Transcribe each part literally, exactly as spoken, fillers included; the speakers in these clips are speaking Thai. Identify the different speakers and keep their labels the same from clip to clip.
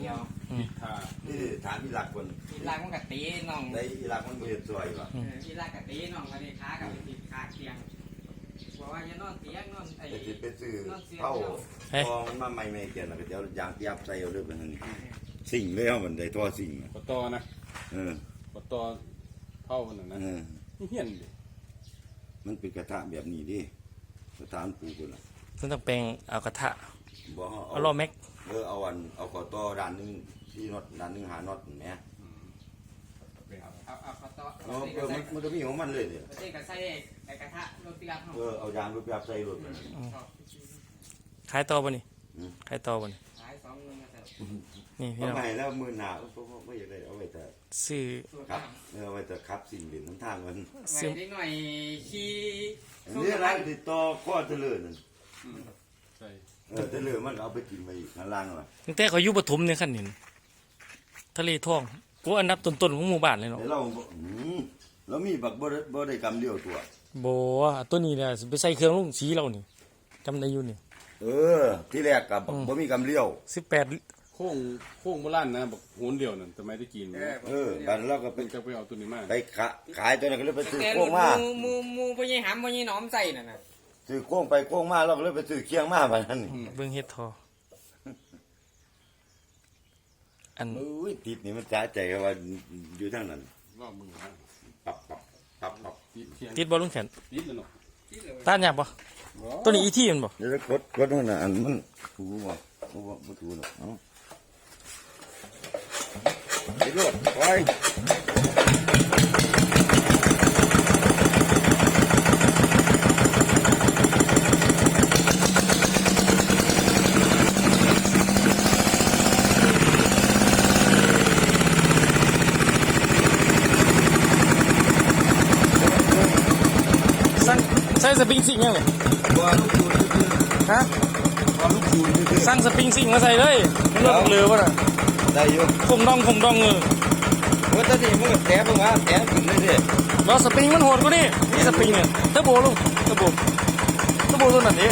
Speaker 1: ดียว
Speaker 2: นี่ถามอีหลักคน
Speaker 1: อีหลักมันกับตีน้อง
Speaker 2: ในอีหลักมันบ่เห็นสวยว่ะ
Speaker 1: อีหลักกับตีน้องมาดีค้ากับติดขาเตียงบอกว่าจะนอนเตียงนอนไอ้
Speaker 2: จะไปซื้อเผาทองมาใหม่ไม่เกี่ยนแล้วก็จะยางเตียบใส่เอาเรื่องเป็นสิ่งเลยเอามันได้ตัวสิ่ง
Speaker 3: ปตอนะ
Speaker 2: เออ
Speaker 3: ปตอเผาขนาดนั้นเฮี้ยนดิ
Speaker 2: มันเป็นกระทะแบบนี้ดิกระทะมันปูกันล่ะ
Speaker 4: ต้องต้องแปลงเอากระทะเอาล้อแม็ก
Speaker 2: เออเอาวันเอาขอต่อด้านนึงที่น็อตด้านนึงหาน็อตแหม
Speaker 1: เอาเอาขอต่อ
Speaker 2: เออมันมันจะมีของมันเลยเนี่ย
Speaker 1: ใส่กระใส่ไอ้กระทะรถเตียง
Speaker 2: เออเอายางรถแบบใส่รถ
Speaker 4: ขายต่อป่ะนี่ขายต่อป่ะนี่
Speaker 1: ขายสองเงินแต่
Speaker 4: นี่พี่น้อง
Speaker 2: ทำไมแล้วมือหนาไม่อยากได้เอาไว้แต่
Speaker 4: ซื้อ
Speaker 2: ครับเออไว้แต่ครับสิ่งเด่นน้ำทางมัน
Speaker 1: ซื้อนิดหน่อยขี้
Speaker 2: นี่อะไรติดต่อข้อเจริญนั่น
Speaker 3: ใช่
Speaker 2: เออเจริญมันเอาไปกินไปอีกข้างล่างหรอ
Speaker 4: ตั้งแต่เขาอยู่ปฐมเนี่ยขั้นนี้ทะเลท่องกูอันดับต้นๆของหมู่บ้านเลยเนาะ
Speaker 2: เราเรามีบักบ่บ่ได้กำเดียวตัว
Speaker 4: โบตัวนี้เนี่ยไปใส่เครื่องลงสีเรานี่จำได้อยู่นี่
Speaker 2: เออที่แรกกับบ่มีกำเลี้ยว
Speaker 4: สิบแปด
Speaker 3: โค้งโค้งโบราณนะบอกโหนเดียวนั่นทำไมได้กิน
Speaker 2: เออกันแล้วก็
Speaker 3: ไปจะไปเอาตัวนี้มา
Speaker 2: ไปขายตัวนั้นก็เลยไปซื้อโค้งมา
Speaker 1: มูมูพญหามพญหนอมใส่น่ะนะ
Speaker 2: ซื้อโค้งไปโค้งมาแล้วก็เลยไปซื้อเคียงมาแบบนั้น
Speaker 4: เบิ่งเฮ็ดทออัน
Speaker 2: อุ้ยติดนี่มันจ้าใจว่าอยู่ทางนั้น
Speaker 3: ว่ามือฮะ
Speaker 2: ปับปับปับปับ
Speaker 4: ติดบอลลุงแขน
Speaker 3: ติดแล้วเนาะ
Speaker 4: ต้านยากปะตัวนี้อีที่มันบ่
Speaker 2: เดี๋ยวกดกดนั่นน่ะอันมันถูบ่ถูบ่บ่ถูหรอกเนาะไปโลดไป
Speaker 4: ใส่สปริงซิงยังไงฮะสั่งสปริงซิงมาใส่เลยมันเลือกเรือป่ะน่ะ
Speaker 2: ได้อยู่
Speaker 4: คงดองคงดองเออ
Speaker 2: ว่าตอนนี้มึงแถมมึงอ่ะแถมถึงเลยดิ
Speaker 4: แล้วสปริงมันโหดกว่านี่นี่สปริงเนี่ยเทอร์โบลุงเทอร์โบเทอร์โบตัวนั้นดิ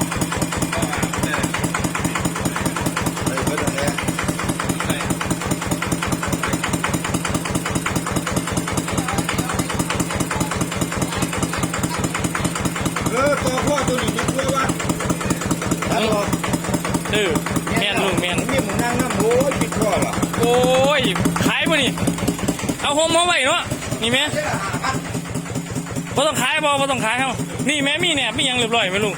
Speaker 2: เออตัวพ่อตัวนี้จะกลัววะฮัลโหล
Speaker 4: เออแมนลุงแมน
Speaker 2: นี่มึงนั่งน้ำโอ้ยปิดพ่อเหรอ
Speaker 4: โอ้ยขายป่ะนี่เอาโฮมมาไว้เนาะนี่แม่บ่ต้องขายบ่บ่ต้องขายเฮานี่แม่มีเนี่ยมียังเรียบร้อยไหมลุง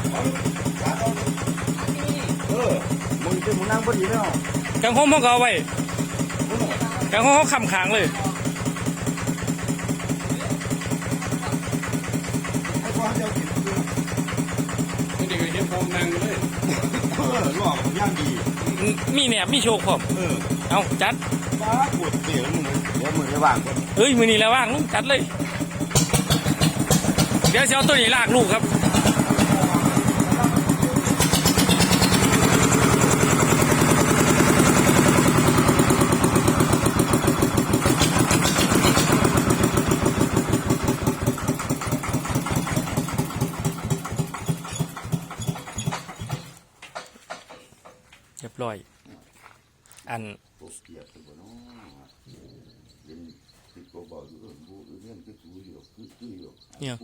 Speaker 2: เออมึงเป็นมึงนั่งพอดีแล้ว
Speaker 4: กังโฮมเขาเอาไว้กังโฮมเขาคำขางเลย
Speaker 3: เด็กเห็นผมนั่งเลย
Speaker 2: เออหลอกย่างดี
Speaker 4: มีเนี่ยมีโชคผม
Speaker 2: เออ
Speaker 4: เอาจัด
Speaker 2: ป้าปวดเสียวมึงเดี๋ยวมึงจะว่างก่อน
Speaker 4: เอ้ยมือนี่แล้วว่างลุงจัดเลยเดี๋ยวจะเอาตัวนี้ลากลูกครับเรียบร้อยอันเนี่ย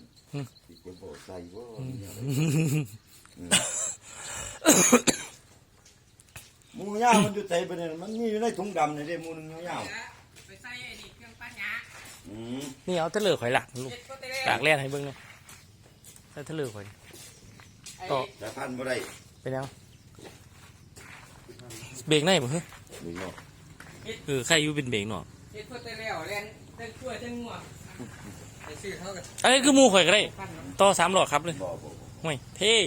Speaker 2: มูย่ามันอยู่ใจไปเนี่ยมันมีอยู่ในถุงดำเนี่ยเด้มูนึงย่า
Speaker 1: ไปใส่ไอ้นี่เครื่องปั้นยา
Speaker 4: นี่เอาทะเลข่อยหลักลูกหลักแรกให้เบิ้งเลยใส่ทะเลข่อย
Speaker 2: ต่อแต่พันบ่ได้
Speaker 4: เป็นยังเบรกไหนบ่เฮ้ยเออใครอยู่เป็นเบรกหนอ
Speaker 1: เฮ็ดเพื่อแต่แล้วแล่นเต้นช่วยเต้นงัวไอ้ซื้อเท่ากัน
Speaker 4: ไอ้คือมูข่อยก็ได้ต่อสามหลอดครับเลยห่วยเท่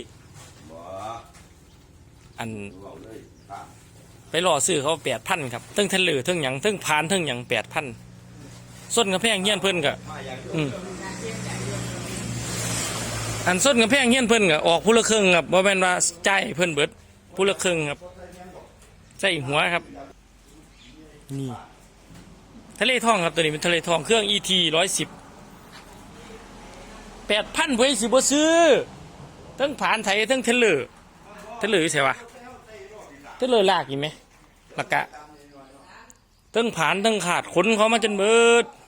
Speaker 4: อันไปหล่อซื้อเขาแปดพันครับทั้งทะเลทั้งหยังทั้งพานทั้งหยังแปดพันส้นกระแพงเงี้ยนเพิ่นกะอืมอันส้นกระแพงเงี้ยนเพิ่นกะออกผู้ละครึ่งครับบ่แม่นว่าใจเพิ่นเบิดผู้ละครึ่งครับใส่หัวครับนี่ทะเลทองครับตัวนี้เป็นทะเลทองเครื่อง อี ที ร้อยสิบแปดพันเว้ยสิบ่ซื้อทั้งผ่านไทยทั้งเทเลอร์เทเลอร์ใช่ปะเทเลอร์ลากอีกไหมแล้วก็เทั้งผานเทั้งขาดขนเขามาจนเบิด